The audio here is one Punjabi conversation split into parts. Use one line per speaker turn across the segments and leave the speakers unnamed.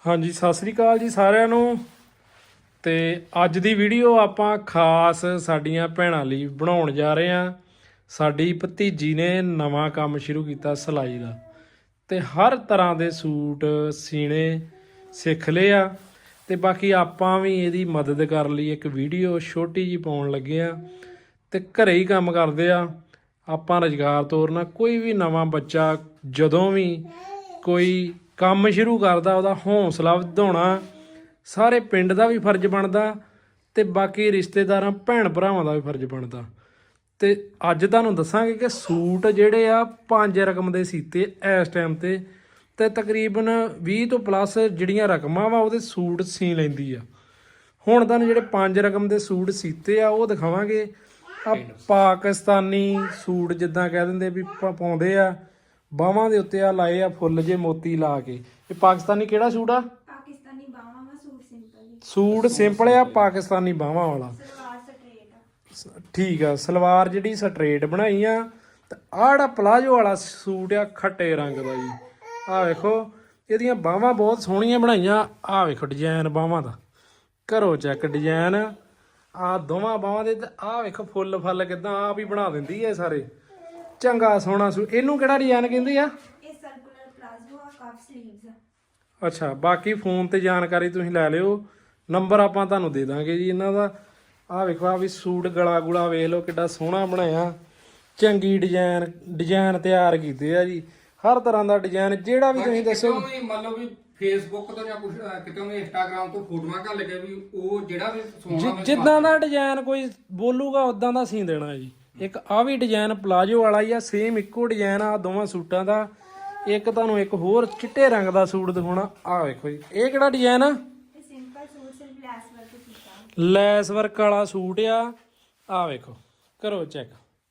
हाँ जी सत श्री अकाल जी सारिਆਂ ਨੂੰ। ਤੇ ਅੱਜ ਦੀ ਵੀਡੀਓ ਆਪਾਂ ਖਾਸ ਸਾਡੀਆਂ ਭੈਣਾਂ ਲਈ ਬਣਾਉਣ ਜਾ ਰਹੇ ਹਾਂ। ਸਾਡੀ ਭਤੀਜੀ ਨੇ ਨਵਾਂ ਕੰਮ ਸ਼ੁਰੂ ਕੀਤਾ ਸਿਲਾਈ ਦਾ, ਤੇ ਹਰ ਤਰ੍ਹਾਂ ਦੇ ਸੂਟ ਸੀਣੇ ਸਿੱਖ ਲਏ ਆ। ਤੇ ਬਾਕੀ ਆਪਾਂ ਵੀ ਇਹਦੀ ਮਦਦ ਕਰਨ ਲਈ ਇੱਕ ਵੀਡੀਓ ਛੋਟੀ ਜੀ ਪਾਉਣ ਲੱਗੇ ਆ। ਤੇ ਘਰੇ ਹੀ ਕੰਮ ਕਰਦੇ ਆ ਆਪਾਂ, ਰੁਜ਼ਗਾਰ ਤੋਰਨਾ। ਕੋਈ ਵੀ ਨਵਾਂ ਬੱਚਾ ਜਦੋਂ ਵੀ ਕੋਈ ਕੰਮ ਸ਼ੁਰੂ ਕਰਦਾ ਉਹਦਾ ਹੌਸਲਾ ਵਧਾਉਣਾ ਸਾਰੇ ਪਿੰਡ ਦਾ ਵੀ ਫਰਜ਼ ਬਣਦਾ, ਤੇ ਬਾਕੀ ਰਿਸ਼ਤੇਦਾਰਾਂ ਭੈਣ ਭਰਾਵਾਂ ਦਾ ਵੀ ਫਰਜ਼ ਬਣਦਾ। ਤੇ ਅੱਜ ਤੁਹਾਨੂੰ ਦੱਸਾਂਗੇ ਕਿ ਸੂਟ ਜਿਹੜੇ ਆ 5 ਰਕਮ ਦੇ ਸੀਤੇ ਇਸ ਟਾਈਮ ਤੇ ਤਕਰੀਬਨ 20 ਤੋਂ ਪਲੱਸ ਜਿਹੜੀਆਂ ਰਕਮਾਂ ਵਾ ਉਹਦੇ ਸੂਟ ਸੀ ਲੈਂਦੀ ਆ। ਹੁਣ ਤੁਹਾਨੂੰ ਜਿਹੜੇ 5 ਰਕਮ ਦੇ ਸੂਟ ਸੀਤੇ ਆ ਉਹ ਦਿਖਾਵਾਂਗੇ। ਆ ਪਾਕਿਸਤਾਨੀ ਸੂਟ ਜਿੱਦਾਂ ਕਹਿ ਦਿੰਦੇ ਵੀ ਪਾਉਂਦੇ ਆ, ਬਾਹਾਂ ਦੇ ਉੱਤੇ ਆ ਲਾਏ ਆ ਫੁੱਲ ਜੇ ਮੋਤੀ ਲਾ ਕੇ। ਇਹ ਪਾਕਿਸਤਾਨੀ ਕਿਹੜਾ ਸੂਟ ਆ?
ਪਾਕਿਸਤਾਨੀ ਬਾਹਾਂ ਵਾ, ਸੂਟ ਸਿੰਪਲ।
ਸੂਟ ਸਿੰਪਲ ਆ, ਪਾਕਿਸਤਾਨੀ ਬਾਹਾਂ ਵਾਲਾ।
ਸਲਵਾਰ ਸਟ੍ਰੇਟ ਆ।
ਠੀਕ ਆ, ਸਲਵਾਰ ਜਿਹੜੀ ਸਟ੍ਰੇਟ ਬਣਾਈ ਆ। ਤੇ ਆਹ ਜਿਹੜਾ ਪਲਾਜੋ ਵਾਲਾ ਸੂਟ ਆ ਖੱਟੇ ਰੰਗ ਦਾ ਜੀ। ਆਹ ਵੇਖੋ ਇਹਦੀਆਂ ਬਾਹਾਂ ਬਹੁਤ ਸੋਹਣੀਆਂ ਬਣਾਈਆਂ। ਆਹ ਵੇਖੋ ਡਿਜ਼ਾਈਨ ਬਾਹਾਂ ਦਾ, ਕਰੋ ਚੈੱਕ ਡਿਜ਼ਾਈਨ ਆਹ ਦੋਵਾਂ ਬਾਹਾਂ ਦੇ। ਤੇ ਆਹ ਵੇਖੋ ਫੁੱਲ ਫਲ ਕਿਦਾਂ ਆਪ ਹੀ ਬਣਾ ਦਿੰਦੀ ਹੈ ਸਾਰੇ। ਚੰਗਾ ਸੋਹਣਾ ਸੂਟ। ਇਹਨੂੰ ਕਿਹੜਾ ਡਿਜ਼ਾਈਨ ਕਹਿੰਦੇ ਆ?
ਇਹ ਸਰਕੂਲਰ ਪਲਾਜ਼ੋ ਆ, ਕਫ ਸਲੀਵਸ ਆ।
ਅੱਛਾ, ਬਾਕੀ ਫੋਨ ਤੇ ਜਾਣਕਾਰੀ ਤੁਸੀਂ ਲੈ ਲਿਓ, ਨੰਬਰ ਆਪਾਂ ਤੁਹਾਨੂੰ ਦੇ ਦਾਂਗੇ ਜੀ ਇਹਨਾਂ ਦਾ। ਆਹ ਵੇਖੋ ਆ ਵੀ ਸੂਟ ਗਲਾ ਗੁਲਾ ਵੇਖ ਲਓ ਕਿੱਡਾ ਸੋਹਣਾ ਬਣਾਇਆ। ਚੰਗੀ ਡਿਜ਼ਾਈਨ ਤਿਆਰ ਕੀਤੇ ਆ ਜੀ, ਹਰ ਤਰ੍ਹਾਂ ਦਾ ਡਿਜ਼ਾਈਨ ਜਿਹੜਾ ਵੀ ਤੁਸੀਂ ਦੱਸੋ।
ਮਤਲਬ ਵੀ ਫੇਸਬੁੱਕ ਤੋਂ ਜਾਂ ਕੁਝ ਕਿਤੋਂ ਵੀ ਇੰਸਟਾਗ੍ਰਾਮ ਤੋਂ ਫੋਟੋਆਂ ਘੱਲ ਕੇ ਵੀ ਉਹ ਜਿਹੜਾ ਵੀ ਸੋਹਣਾ
ਜਿੱਦਾਂ ਦਾ ਡਿਜ਼ਾਈਨ ਕੋਈ ਬੋਲੂਗਾ ਉਦਾਂ ਦਾ ਸੀ ਦੇਣਾ ਜੀ। ਇੱਕ ਆ ਵੀ ਡਿਜ਼ਾਈਨ ਪਲਾਜੋ ਵਾਲਾ ਹੀ ਆ, ਸੇਮ ਇੱਕੋ ਡਿਜ਼ਾਈਨ ਆ ਦੋਵਾਂ ਸੂਟਾਂ ਦਾ। ਇੱਕ ਤੁਹਾਨੂੰ ਇੱਕ ਹੋਰ ਚਿੱਟੇ ਰੰਗ ਦਾ ਸੂਟ ਦਿਖਾਉਣਾ। ਆਹ ਵੇਖੋ ਜੀ, ਇਹ ਕਿਹੜਾ ਡਿਜ਼ਾਈਨ ਆ?
ਇਹ ਸਿੰਪਲ ਸੂਟ ਸਿਰਫ ਲੈਸ ਵਰਕ ਕੀਤਾ।
ਲੈਸ ਵਰਕ ਵਾਲਾ ਸੂਟ ਆ। ਆਹ ਵੇਖੋ ਕਰੋ ਚੈੱਕ।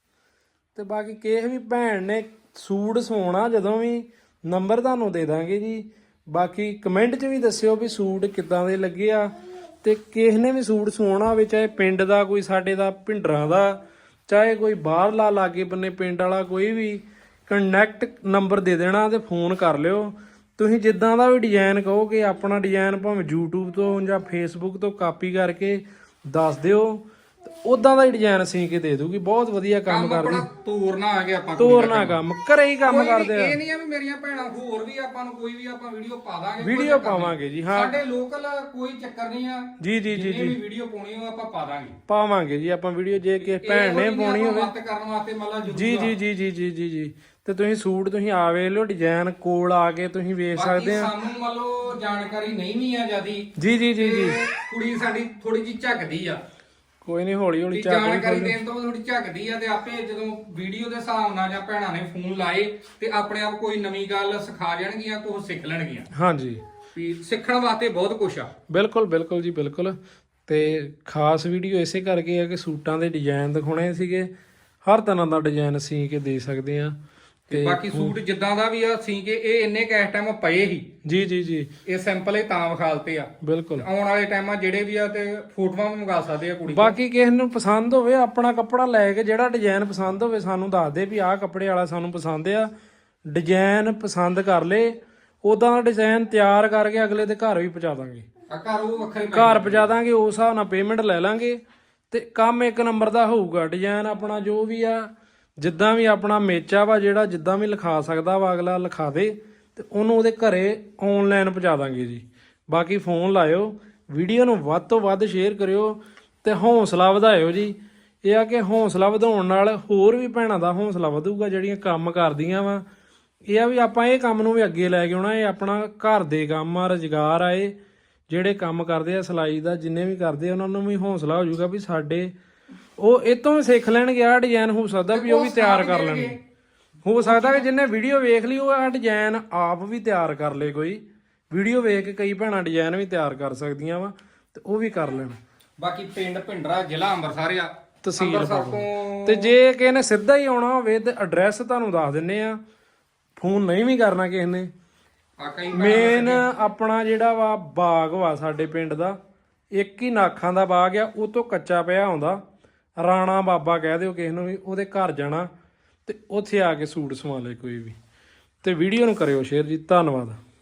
ਤੇ ਬਾਕੀ ਕਿਸੇ ਵੀ ਭੈਣ ਨੇ ਸੂਟ ਸਵਾਉਣਾ ਜਦੋਂ ਵੀ ਨੰਬਰ ਤੁਹਾਨੂੰ ਦੇ ਦਾਂਗੇ ਜੀ। ਬਾਕੀ ਕਮੈਂਟ 'ਚ ਵੀ ਦੱਸਿਓ ਵੀ ਸੂਟ ਕਿੱਦਾਂ ਦੇ ਲੱਗੇ ਆ। ਤੇ ਕਿਸੇ ਨੇ ਵੀ ਸੂਟ ਸਵਾਉਣਾ ਹੋਵੇ, ਚਾਹੇ ਪਿੰਡ ਦਾ ਕੋਈ ਸਾਡੇ ਦਾ ਭਿੰਡਰਾਂ ਦਾ, ਚਾਹੇ ਕੋਈ ਬਾਹਰਲਾ ਲਾਗੇ ਬੰਨੇ ਪਿੰਡ ਵਾਲਾ, ਕੋਈ ਵੀ ਕੰਟੈਕਟ ਨੰਬਰ ਦੇ ਦੇਣਾ ਤੇ ਫੋਨ ਕਰ ਲਿਓ। ਤੁਸੀਂ ਜਿੱਦਾਂ ਦਾ ਵੀ ਡਿਜ਼ਾਈਨ ਕਹੋਗੇ ਆਪਣਾ ਡਿਜ਼ਾਈਨ ਭਾਵੇਂ YouTube ਤੋਂ ਜਾਂ Facebook ਤੋਂ ਕਾਪੀ ਕਰਕੇ ਦੱਸ ਦਿਓ, ਉਦਾਂ ਦਾ ਹੀ ਡਿਜ਼ਾਈਨ ਸੀ ਕੇ ਦੇ ਦੂਗੀ। ਬਹੁਤ ਵਧੀਆ ਕੰਮ ਕਰਦੀ।
ਤੋਰਨਾ ਆ ਗਿਆ ਆਪਾਂ,
ਤੋਰਨਾ ਕੰਮ ਘਰੇ ਹੀ ਕੰਮ ਕਰਦੇ ਆ।
ਇਹ ਨਹੀਂ ਆ ਵੀ ਮੇਰੀਆਂ ਭੈਣਾਂ ਹੋਰ ਵੀ ਆਪਾਂ ਨੂੰ ਕੋਈ ਵੀ ਆਪਾਂ ਵੀਡੀਓ ਪਾ ਦਾਂਗੇ,
ਵੀਡੀਓ ਪਾਵਾਂਗੇ ਜੀ। ਹਾਂ,
ਸਾਡੇ ਲੋਕਲ ਕੋਈ ਚੱਕਰ ਨਹੀਂ ਆ
ਜੀ ਜੀ ਜੀ
ਜੀ। ਵੀਡੀਓ ਪਾਉਣੀ ਹੋ ਆਪਾਂ ਪਾ ਦਾਂਗੇ,
ਪਾਵਾਂਗੇ ਜੀ ਆਪਾਂ ਵੀਡੀਓ। ਜੇ ਕਿਸੇ ਭੈਣ ਨੇ ਪਾਉਣੀ ਹੋਵੇ
ਮਦਦ ਕਰਨ ਵਾਸਤੇ ਮਤਲਬ ਜ਼ਰੂਰ।
ਜੀ ਜੀ ਜੀ ਜੀ ਜੀ ਜੀ ਜੀ। ਤੇ ਤੁਸੀਂ ਸੂਟ ਤੁਸੀਂ ਆ ਵੇਖ ਲਓ, ਡਿਜ਼ਾਈਨ ਕੋਲ ਆ ਕੇ ਤੁਸੀਂ ਵੇਖ ਸਕਦੇ ਆ।
ਸਾਨੂੰ ਮੰਨ ਲਓ ਜਾਣਕਾਰੀ ਨਹੀਂ ਵੀ ਆ ਜਿਆਦੀ।
ਜੀ ਜੀ ਜੀ ਜੀ।
ਕੁੜੀ ਸਾਡੀ ਥੋੜੀ ਜਿਹੀ ਝੱਕਦੀ ਆ,
ਕੋਈ ਨਹੀਂ ਹੌਲੀ ਹੌਲੀ
ਜਾਣਕਾਰੀ ਦੇਣ ਤੋਂ ਥੋੜੀ ਝੱਕਦੀ ਆ। ਤੇ ਆਪੇ ਜਦੋਂ ਵੀਡੀਓ ਦੇ ਹਿਸਾਬ ਨਾਲ ਜਾਂ ਭੈਣਾਂ ਨੇ ਫੋਨ ਲਾਏ ਤੇ ਆਪਣੇ ਆਪ ਕੋਈ ਨਵੀਂ ਗੱਲ ਸਿਖਾ ਜਾਣਗੀਆਂ, ਕੁਝ ਸਿੱਖ ਲੈਣਗੀਆਂ।
ਹਾਂਜੀ,
ਵੀ ਸਿੱਖਣ ਵਾਸਤੇ ਬਹੁਤ ਕੁਝ ਆ।
ਬਿਲਕੁਲ ਬਿਲਕੁਲ ਜੀ ਬਿਲਕੁਲ। ਤੇ ਖਾਸ ਵੀਡੀਓ ਇਸੇ ਕਰਕੇ ਆ ਕਿ ਸੂਟਾਂ ਦੇ ਡਿਜ਼ਾਈਨ ਦਿਖਾਉਣੇ ਸੀਗੇ। ਹਰ ਤਰ੍ਹਾਂ ਦਾ ਡਿਜ਼ਾਈਨ ਸੀ ਕੇ ਦੇ ਸਕਦੇ ਆ।
ਤੇ ਬਾਕੀ ਸੂਟ ਜਿੱਦਾਂ ਦਾ ਵੀ ਆ ਸੀ ਕੇ ਇਹ ਇੰਨੇ ਕੈਸ਼ ਟਾਈਮ ਪਏ ਹੀ।
ਜੀ ਜੀ ਜੀ,
ਇਹ ਸਿੰਪਲ ਹੀ ਤਾਂ ਵਿਖਾਲਤੇ ਆ।
ਬਿਲਕੁਲ
ਆਉਣ ਵਾਲੇ ਟਾਈਮਾਂ ਜਿਹੜੇ ਵੀ ਆ ਤੇ ਫੋਟੋਆਂ ਵੀ ਮੰਗਾ ਸਕਦੇ ਆ ਕੁੜੀ।
ਬਾਕੀ ਕਿਸੇ ਨੂੰ ਪਸੰਦ ਹੋਵੇ ਆਪਣਾ ਕੱਪੜਾ ਲੈ ਕੇ ਜਿਹੜਾ ਡਿਜ਼ਾਈਨ ਪਸੰਦ ਹੋਵੇ ਸਾਨੂੰ ਦੱਸ ਦੇ ਵੀ ਆਹ ਕੱਪੜੇ ਵਾਲਾ ਸਾਨੂੰ ਪਸੰਦ ਆ। ਡਿਜ਼ਾਈਨ ਪਸੰਦ ਕਰ ਲੇ, ਉਦਾਂ ਦਾ ਡਿਜ਼ਾਈਨ ਤਿਆਰ ਕਰਕੇ ਅਗਲੇ ਦੇ ਘਰ ਵੀ ਪਹੁੰਚਾ ਦਾਂਗੇ।
ਘਰ ਉਹ ਵੱਖਰੇ
ਘਰ ਪਹੁੰਚਾ ਦਾਂਗੇ, ਉਸ ਹਿਸਾਬ ਨਾਲ ਪੇਮੈਂਟ ਲੈ ਲਾਂਗੇ। ਤੇ ਕੰਮ ਇੱਕ ਨੰਬਰ ਦਾ ਹੋਊਗਾ। ਡਿਜ਼ਾਈਨ ਆਪਣਾ ਜੋ ਵੀ ਆ, ਜਿੱਦਾਂ ਵੀ ਆਪਣਾ ਮੇਚਾ ਵਾ ਜਿਹੜਾ ਜਿੱਦਾਂ ਵੀ ਲਿਖਾ ਸਕਦਾ ਵਾ ਅਗਲਾ ਲਿਖਾ ਦੇ, ਤੇ ਉਹਨੂੰ ਉਹਦੇ ਘਰੇ ਆਨਲਾਈਨ ਪਹੁੰਚਾ ਦਾਂਗੇ ਜੀ। ਬਾਕੀ ਫੋਨ ਲਾਇਓ, ਵੀਡੀਓ ਨੂੰ ਵੱਧ ਤੋਂ ਵੱਧ ਸ਼ੇਅਰ ਕਰਿਓ ਤੇ ਹੌਸਲਾ ਵਧਾਇਓ ਜੀ। ਇਹ ਆ ਕਿ ਹੌਸਲਾ ਵਧਾਉਣ ਨਾਲ ਹੋਰ ਵੀ ਭੈਣਾਂ ਦਾ ਹੌਸਲਾ ਵਧੂਗਾ ਜਿਹੜੀਆਂ ਕੰਮ ਕਰਦੀਆਂ ਵਾ। ਇਹ ਆ ਵੀ ਆਪਾਂ ਇਹ ਕੰਮ ਨੂੰ ਵੀ ਅੱਗੇ ਲੈ ਕੇ ਆਉਣਾ। ਇਹ ਆਪਣਾ ਘਰ ਦੇ ਕੰਮ ਆ, ਰੁਜ਼ਗਾਰ ਆ। ਇਹ ਜਿਹੜੇ ਕੰਮ ਕਰਦੇ ਆ ਸਿਲਾਈ ਦਾ, ਜਿੰਨੇ ਵੀ ਕਰਦੇ ਆ ਉਹਨਾਂ ਨੂੰ ਵੀ ਹੌਸਲਾ ਹੋ ਜਾਊਗਾ ਵੀ ਸਾਡੇ ਉਹ ਇਹ ਤੋਂ ਵੀ ਸਿੱਖ ਲੈਣਗੇ। ਆਹ ਡਿਜ਼ਾਈਨ ਹੋ ਸਕਦਾ ਵੀ ਉਹ ਵੀ ਤਿਆਰ ਕਰ ਲੈਣਗੇ। ਹੋ ਸਕਦਾ ਕਿ ਜਿਹਨੇ ਵੀਡੀਓ ਵੇਖ ਲਈ ਉਹ ਆਹ ਡਿਜ਼ਾਈਨ ਆਪ ਵੀ ਤਿਆਰ ਕਰ ਲੇ। ਕੋਈ ਵੀਡੀਓ ਵੇਖ ਕੇ ਕਈ ਭੈਣਾਂ ਡਿਜ਼ਾਈਨ ਵੀ ਤਿਆਰ ਕਰ ਸਕਦੀਆਂ ਵਾ, ਤੇ ਉਹ ਵੀ ਕਰ ਲੈਣ।
ਬਾਕੀ ਪਿੰਡ ਭਿੰਡਰਾ, ਜ਼ਿਲ੍ਹਾ ਅੰਮ੍ਰਿਤਸਰ ਆ,
ਤਹਿਸੀਲ
ਅੰਮ੍ਰਿਤਸਰ ਤੋਂ।
ਤੇ ਜੇ ਕਿਸੇ ਨੇ ਸਿੱਧਾ ਹੀ ਆਉਣਾ ਹੋਵੇ ਤੇ ਐਡਰੈਸ ਤੁਹਾਨੂੰ ਦੱਸ ਦਿੰਨੇ ਆ। ਫੋਨ ਨਹੀਂ ਵੀ ਕਰਨਾ ਕਿਸੇ ਨੇ। ਮੇਨ ਆਪਣਾ ਜਿਹੜਾ ਵਾ ਬਾਗ ਵਾ ਸਾਡੇ ਪਿੰਡ ਦਾ, ਇੱਕ ਹੀ ਨਾਖਾਂ ਦਾ ਬਾਗ ਆ, ਉਹ ਤੋਂ ਕੱਚਾ ਪਿਆ ਆਉਂਦਾ। ਰਾਣਾ ਬਾਬਾ ਕਹਿ ਦਿਓ ਕਿਸੇ ਨੂੰ ਵੀ, ਉਹਦੇ ਘਰ ਜਾਣਾ ਤੇ ਉੱਥੇ ਆ ਕੇ ਸੂਟ ਸਵਾ ਲੈ ਕੋਈ ਵੀ। ਤੇ ਵੀਡੀਓ ਨੂੰ ਕਰਿਓ ਸ਼ੇਅਰ ਜੀ। ਧੰਨਵਾਦ।